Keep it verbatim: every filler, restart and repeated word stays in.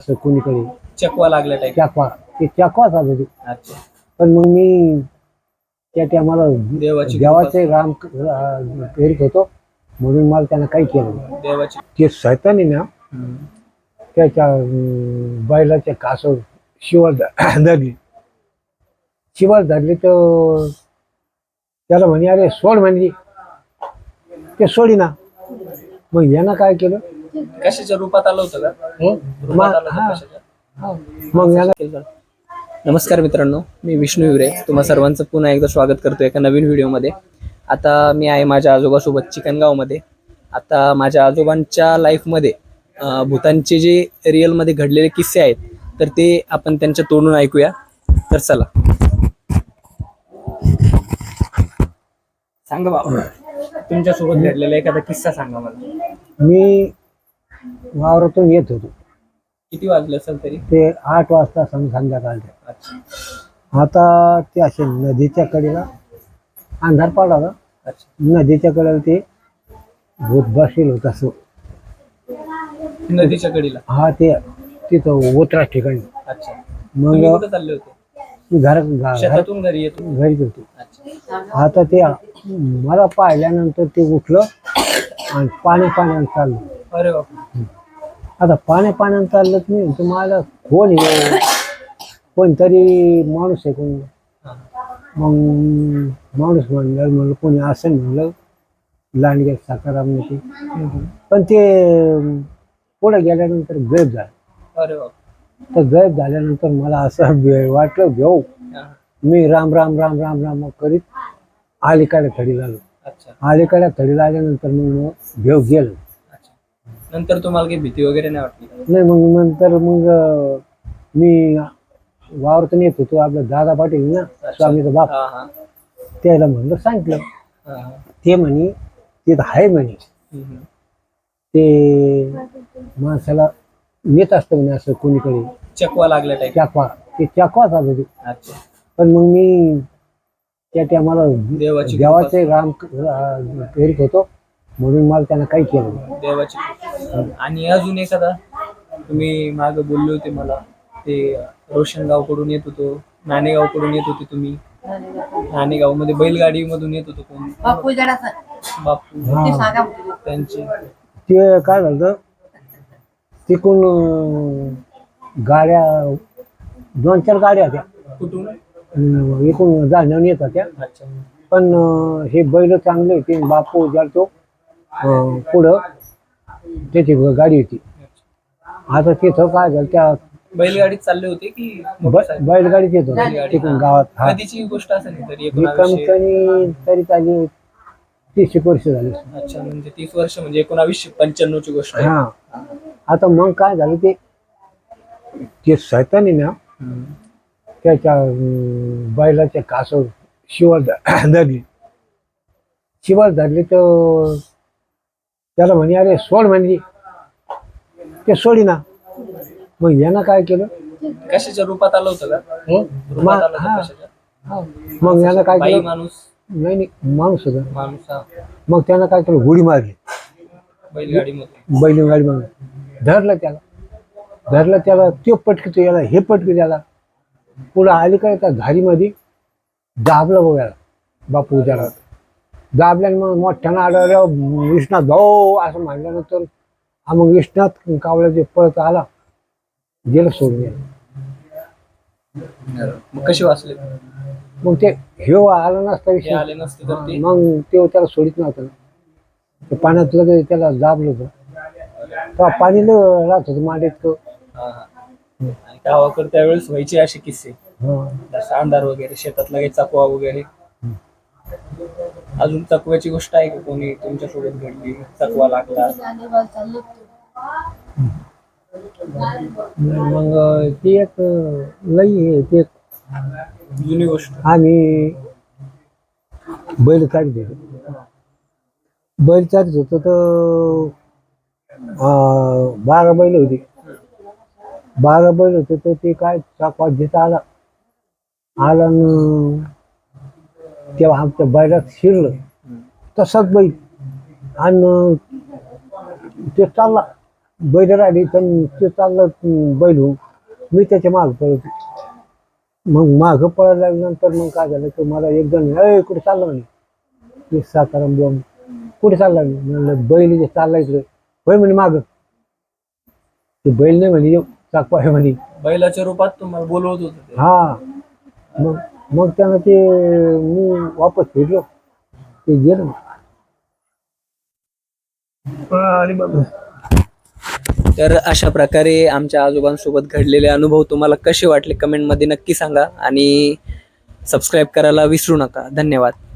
असं कोणीकडे चकवा लागला टाईप. चाकवा ते चाकवाच आलं ते. अच्छा. पण मग मी त्या टायमाला देवाची देवाचे राम अं, करीत होतो म्हणून मला त्यानं काही केलं नाही. देवाची. ते सैतानी ना हम्म. त्याच्या अं, बैलाच्या कासवर शिवर ध- धरली शिवर धरली तर त्याला म्हणे अरे सोड म्हणजे ते सोडी ना. मग यानं काय केलं कशाच्या रूपात आलं होतं का? हं? रूपात मा- आलं होतं हा, कशाच्या? हा. मग यानं नमस्कार मित्रांनो, मी विष्णू हिवरे तुम्हा सर्वांचं पुन्हा एकदा स्वागत करतो एका नवीन व्हिडिओमध्ये. आता मी आहे माझ्या आजोबासोबत चिकणगावमध्ये. आता माझ्या आजोबांच्या लाईफमध्ये अं, भूतांचे जे रिअलमध्ये घडलेले किस्से आहेत तर ते आपण त्यांच्या तोंडून ऐकूया. तर चला. सांगा बाबा, तुमच्यासोबत घडलेला एखादा किस्सा सांगा मला. मी वावरातून येत होतो. किती वाजले असेल तरी? ते आठ वाजता सं संध्याकाळचे. अच्छा. आता ते असे नदीच्या कडेला अंधार पडला. अच्छा. नदीच्या कडेला ते भूत बसेल होत असं. नदीच्या कडीला. हा ते तिथं ओतरा ठिकाणी. अच्छा. तुम्ही मग कुठे चालले होते? घर घ- शेतातून घरी येतो. घरीच होतो. अच्छा. आता ते मला पाहिल्यानंतर ते उठलं आणि पाणी पाण्यानं चाललं. अरे बाप. आता पाण्या पाण्यानं चाललं मी म्हणतो मला कोण आहे? कोणतरी माणूस आहे कोण. मग माणूस म्हणलं म्हणलं कोणी असं म्हणलं लांडग्या साकाराम ते. पण ते पुढे गेल्यानंतर गैप झालं. अरे बाप. तर गैप झाल्यानंतर मला असं भे- वाटलं घेऊ. हा. मी राम राम राम राम राम करीत अलीकडे थडीला आलो. अच्छा. अलीकडे थडीला आल्यानंतर मग घेऊ गेलो. अच्छा. नंतर तुम्हाला काही भीती वगैरे नाही वाटली का? नाही मग नंतर मग अं, मी वावरतून येत होतो आपलं दादा पाटील ना स्वामीचा बाप हा हा. त्याला म्हणलं सांगितलं. हा हा. ते म्हणे तिथं आहे म्हणे हम्म. ते माणसाला येत असतं म्हणे असं कोणीकडे चकवा लागला टाईप. चाकवा ते चाकवाच आलं ते. अच्छा. पण मग मी त्या टायमाला देवाची देवाचे राम अं, करीत होतो म्हणून मला त्यानं काही केलं नाही. देवाची. आणि अजून एखादा तुम्ही माग बोलले होते मला ते रोशनगाव कडून येत होतो, नाणेगाव कडून येत होते तुम्ही. नाणेगाव मध्ये बैलगाडी मधून येत होतो कोण? बापू. हा. त्यांची. ते काय झालं तिकून अं, गाड्या दोन चार गाड्या होत्या कुठून? अं, इकडून जाणवून येत होत्या. अच्छा. पण अं, हे बैल चांगले होते. बापू जातो पुढं त्याची गाडी होती. आता तिथं काय झालं त्या बैलगाडीत चालले होते की ब- मोटरसायकल? बैलगाडीच येत होती बैलगाडी. तिकडून हा. गावात. हा कधीची गोष्ट असेल ना तरी ही कमी एकोणावीसशे. कमी तरी चाली तीस एक वर्ष झाली. अच्छा. म्हणजे तीस वर्ष म्हणजे एकोणावीसशे पंच्याण्णव ची गोष्ट आहे. हा. आता मग काय झालं ते ते सैतानी ना हम्म. त्याच्या अं, बैलाच्या कासवर शिवर ध- धरली शिवर धरली तर त्याला म्हणे अरे सोड म्हणजे ते सोडी ना. मग यानं काय केलं कशाच्या रूपात आलं होतं का? हं? रूपात मा- आलं हा, होतं कशाच्या? हा. मग यानं काय बाई केलं माणूस? नाही नाही माणूस होता. माणूस. हा. मग त्यानं काय केलं उडी मारली बैलगाडी मध्ये. बैलगाडी म्हणून धरलं त्याला धरलं त्याला तो पटकितो याला हे पटकी त्याला पुढं अलीकडे त्या झाडीमध्ये दाबलं बघायला बापू त्याला दाबल्याने मग मोठ्यानं आलं विष्णात भाऊ असं म्हणल्यानंतर हा मग विष्णात कावळ्याचे पळत आला गेलं सोडून यायला. मग कशी वाचले? मग ते हे आलं नसता हे विषय आले नसते तर ते. मग ते त्याला सोडित नव्हतं ना. ते पाण्यात लगेच त्याला दाबलं होतं तेव्हा पाणी लय राहत होतं मांडीत. हा हा. आणि गावाकडे त्यावेळेस व्हायचे असे किस्से, हा. जसं अंधार वगैरे, शेतात लगेच चकवा वगैरे. अजून चकव्याची गोष्ट आहे का कोणी तुमच्यासोबत घडली? चकवा लागला. मग ती एक लई आहे ती एक जुनी गोष्ट. आम्ही बैल चालत होतो बैल चालत होतो तर अं, बारा बैल होती. बारा बैल होते तर ते काय चाकवा जिथं आला आला न तेव्हा आमच्या बैलात शिरलं तसाच बैल आणि ते चालला बैल राहिली तर ते चाललं अं, बैल होऊन मी त्याच्या मागं पळत मग मागं पळायला लागल्यानंतर मग काय झालं की मला एक जण ए कुठे चाललं म्हणे ते सातारा बॉम्ब कुठे चालला मी म्हणलं बैल जे चालला इकडे होय म्हणे मागं ते बैल नाही म्हणे येऊ चाकपा आहे म्हणे बैलाच्या रूपात तुम्हाला बोलवत होतं ते. हा मग मग त्यानं ते मी वापस फिरलो ते गेलं आणि मग तर अशा प्रकारे आमच्या आजोबांसोबत घडलेले अनुभव तुम्हाला कसे वाटले कमेंटमध्ये नक्की सांगा आणि सबस्क्राईब करायला विसरू नका. धन्यवाद.